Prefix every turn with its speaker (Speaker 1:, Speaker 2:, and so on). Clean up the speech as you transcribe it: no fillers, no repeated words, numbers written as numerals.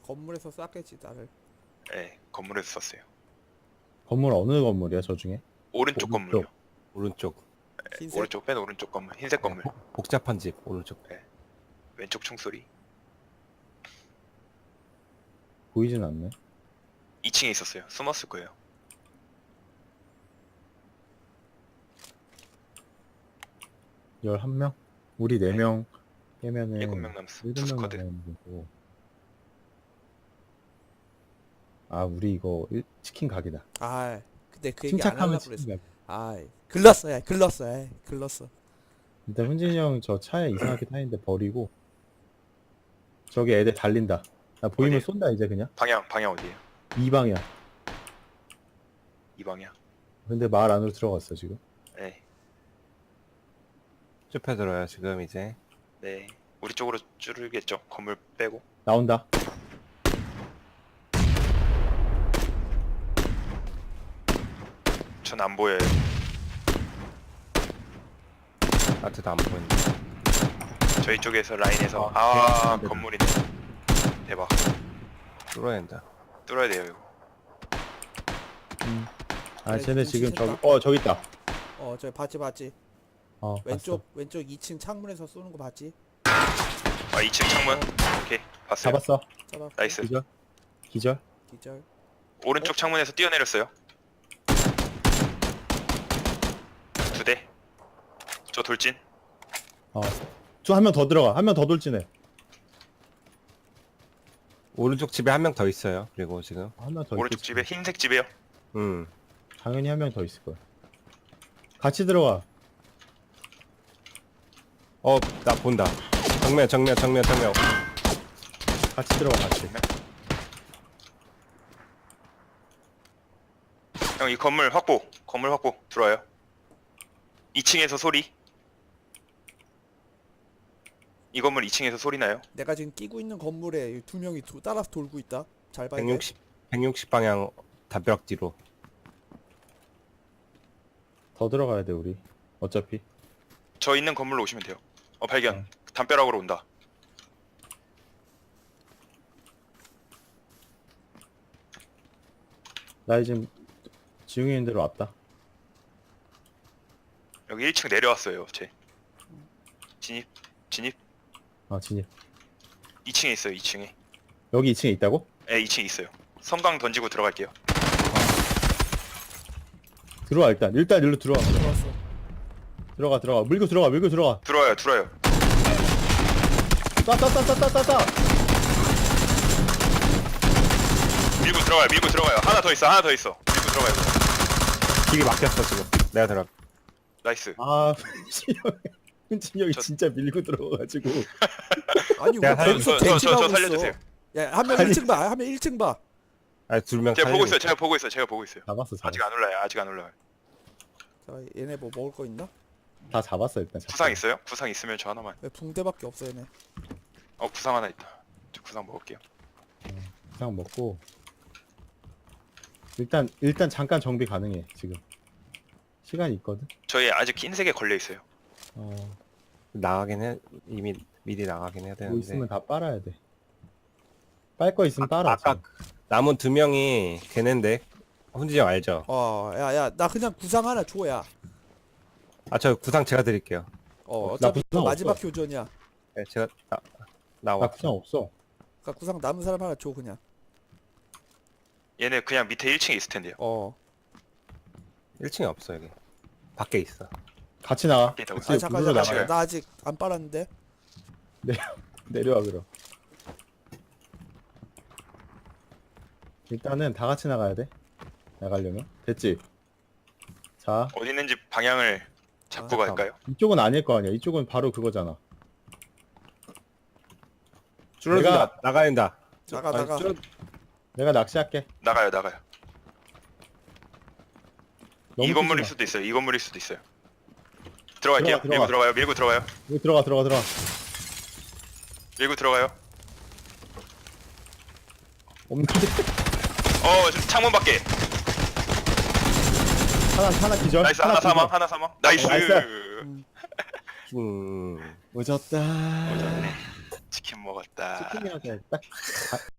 Speaker 1: 건물에서 쐈겠지 나를.
Speaker 2: 네, 건물에서 쐈어요.
Speaker 3: 건물 어느 건물이야 저 중에?
Speaker 2: 오른쪽 건물이요.
Speaker 4: 오른쪽.
Speaker 1: 흰색.
Speaker 2: 오른쪽 맨 오른쪽 건물, 흰색 건물.
Speaker 4: 복잡한 집 오른쪽.
Speaker 2: 왼쪽 총소리.
Speaker 3: 보이진 않네.
Speaker 2: 2층에 있었어요. 숨었을 거예요.
Speaker 3: 열 11명? 우리 4명 빼면은
Speaker 2: 7명 남았어.
Speaker 3: 7명
Speaker 2: 투스쿼드.
Speaker 3: 남는 거고. 아 우리 이거 치킨 각이다.
Speaker 1: 아 근데 그 얘기 안
Speaker 3: 침착하면
Speaker 1: 하려고
Speaker 3: 치킨
Speaker 1: 그랬어.
Speaker 3: 각.
Speaker 1: 아 글렀어 야 글렀어 야 글렀어.
Speaker 3: 일단 훈진이 형 저 차에 이상하게 타는데 버리고 저기 애들 달린다. 나 보이면
Speaker 2: 어디?
Speaker 3: 쏜다 이제 그냥.
Speaker 2: 방향 어디에요?
Speaker 3: 이 방이야.
Speaker 2: 이 방향.
Speaker 3: 근데 마을 안으로 들어갔어 지금.
Speaker 2: 네,
Speaker 4: 좁혀들어요 지금 이제.
Speaker 2: 네. 우리 쪽으로 줄겠죠. 건물 빼고.
Speaker 3: 나온다.
Speaker 2: 전 안 보여요.
Speaker 4: 아트도 안 보인다.
Speaker 2: 저희 쪽에서 라인에서
Speaker 3: 네.
Speaker 2: 건물이네. 대박.
Speaker 4: 뚫어야 된다.
Speaker 2: 뚫어야 돼요 이거.
Speaker 3: 아
Speaker 1: 그래,
Speaker 3: 쟤네 지금
Speaker 1: 눈치챘다.
Speaker 3: 저기 저기 있다.
Speaker 1: 저기 봤지.
Speaker 3: 봤어.
Speaker 1: 왼쪽 2층 창문에서 쏘는 거 봤지?
Speaker 2: 2층 창문. 오케이. 봤어요.
Speaker 3: 잡았어.
Speaker 1: 잡아.
Speaker 2: 나이스.
Speaker 3: 기절. 기절.
Speaker 1: 기절.
Speaker 2: 오른쪽 창문에서 뛰어내렸어요. 2대. 저 돌진.
Speaker 3: 저 한 명 더 들어가. 한 명 더 돌진해.
Speaker 4: 오른쪽 집에 한 명 더 있어요. 그리고 지금.
Speaker 3: 한 명 더.
Speaker 2: 오른쪽
Speaker 3: 있겠지.
Speaker 2: 집에 흰색 집에요.
Speaker 3: 당연히 한 명 더 있을 거야. 같이 들어가.
Speaker 4: 나 본다. 정면.
Speaker 3: 같이 들어가 같이.
Speaker 2: 형 이 건물 확보 들어와요. 2층에서 소리. 이 건물 2층에서 소리 나요.
Speaker 1: 내가 지금 끼고 있는 건물에 2명이 따라서 돌고 있다. 잘 봐야 돼.
Speaker 4: 160 방향 담벼락 뒤로.
Speaker 3: 더 들어가야 돼 우리. 어차피.
Speaker 2: 저 있는 건물로 오시면 돼요. 발견. 담벼락으로 온다.
Speaker 3: 나 지금 지웅이 있는 대로 왔다.
Speaker 2: 여기 1층 내려왔어요. 쟤. 진입.
Speaker 3: 진입.
Speaker 2: 2층에 있어요. 2층에.
Speaker 3: 여기 2층에 있다고?
Speaker 2: 네, 2층에 있어요. 섬광 던지고 들어갈게요.
Speaker 3: 들어와 일단 일로 들어와.
Speaker 1: 들어왔어.
Speaker 3: 들어가. 밀고 들어가.
Speaker 2: 들어와요.
Speaker 3: 따.
Speaker 2: 밀고 들어가요. 하나 더 있어. 밀고 들어가요.
Speaker 4: 길이 막혔어 지금. 내가 들어.
Speaker 2: 나이스.
Speaker 3: 아 훈진이 형이
Speaker 2: 저-
Speaker 3: 진짜 밀고 들어가가지고.
Speaker 1: 아니 왜
Speaker 4: 내가
Speaker 1: 거기서
Speaker 2: 저
Speaker 1: 대기하고
Speaker 2: 살려주세요.
Speaker 1: 있어? 야 한 명
Speaker 3: 아니.
Speaker 1: 1층 봐. 한 명 1층 봐.
Speaker 4: 아, 2명
Speaker 2: 제가 보고 있어요. 제가 보고 있어요.
Speaker 3: 잡았어.
Speaker 2: 아직 안 올라요.
Speaker 1: 자 얘네 뭐 먹을 거 있나?
Speaker 3: 다 잡았어 일단.
Speaker 2: 구상 있어요? 구상 있으면 저 하나만.
Speaker 1: 왜 붕대밖에 없어 얘네.
Speaker 2: 구상 하나 있다. 저 구상 먹을게요.
Speaker 3: 구상 먹고. 일단 잠깐 정비 가능해 지금. 시간이 있거든.
Speaker 2: 저희 아직 흰색에 걸려 있어요.
Speaker 4: 나가긴 해. 이미 미리 나가긴 해야
Speaker 3: 뭐
Speaker 4: 되는데.
Speaker 3: 있으면 다 빨아야 돼. 빨 거 있으면 빨아.
Speaker 4: 아까 남은 2명이 걔네인데. 훈진이 형 알죠?
Speaker 1: 야야 나 그냥 구상 하나 줘야.
Speaker 4: 저 구상 제가 드릴게요.
Speaker 1: 어차피
Speaker 3: 나 구상
Speaker 1: 마지막
Speaker 3: 없어.
Speaker 1: 교전이야.
Speaker 4: 네, 제가
Speaker 3: 나
Speaker 4: 나와.
Speaker 3: 구상 없어.
Speaker 1: 그러니까 구상 남은 사람 하나 줘 그냥.
Speaker 2: 얘네 그냥 밑에 1층에 있을 텐데요.
Speaker 4: 1층에 없어 여기. 밖에 있어.
Speaker 3: 같이 나가.
Speaker 2: 밖에 있다고.
Speaker 3: 같이
Speaker 1: 잠깐
Speaker 3: 물로
Speaker 2: 나가요.
Speaker 1: 나 아직 안 빨았는데.
Speaker 3: 내려와 그럼. 일단은 다 같이 나가야 돼. 나가려면 됐지. 자
Speaker 2: 어디 있는지 방향을 잡고
Speaker 1: 아,
Speaker 2: 갈까요?
Speaker 3: 이쪽은 아닐 거 아니야. 이쪽은 바로 그거잖아.
Speaker 4: 줄어든다. 나가야 된다.
Speaker 1: 나가.
Speaker 3: 내가 낚시할게.
Speaker 2: 나가요.
Speaker 3: 너무
Speaker 2: 이 건물일
Speaker 3: 뛰지
Speaker 2: 수도 있어요. 이 건물일 수도 있어요. 들어갈게요.
Speaker 3: 들어가.
Speaker 2: 밀고 들어가요.
Speaker 3: 마. 여기 들어가.
Speaker 2: 밀고 들어가요.
Speaker 3: 없는데.
Speaker 2: 창문 밖에.
Speaker 3: 하나 기절.
Speaker 2: 나이스. 하나 사망. 나이스.
Speaker 3: 나이스.
Speaker 4: 음.
Speaker 3: 오졌다.
Speaker 2: 치킨 먹었다.
Speaker 3: 치킨이어서 딱